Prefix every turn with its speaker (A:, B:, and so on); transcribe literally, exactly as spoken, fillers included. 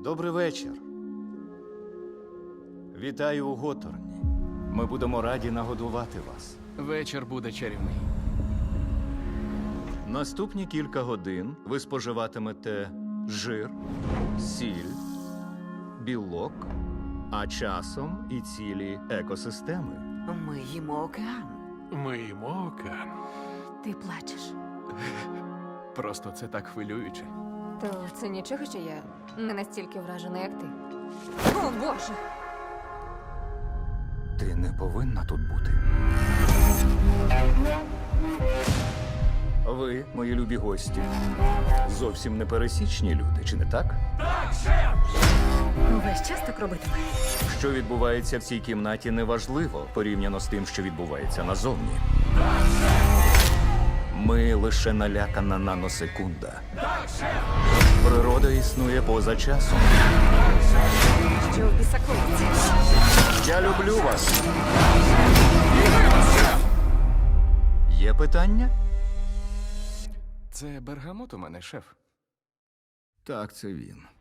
A: Добрий вечір. Вітаю у Готорні. Ми будемо раді нагодувати вас.
B: Вечір буде чарівний.
A: Наступні кілька годин ви споживатимете жир, сіль, білок, а часом і цілі екосистеми.
C: Ми їмо океан.
B: Ми їмо океан.
C: Ти плачеш.
B: Просто це так хвилююче.
D: То це нічого, що я не настільки вражена, як ти. О, Боже!
A: Ти не повинна тут бути. Ви, мої любі гості, зовсім не пересічні люди, чи не так?
D: Весь час так робитиме.
A: Що відбувається в цій кімнаті, неважливо порівняно з тим, що відбувається назовні. Ми лише налякана наносекунда. Природа існує поза часом.
D: Що в біса коїться?
A: Я люблю вас. Є питання?
B: Це бергамот у мене, шеф.
A: Так, це він.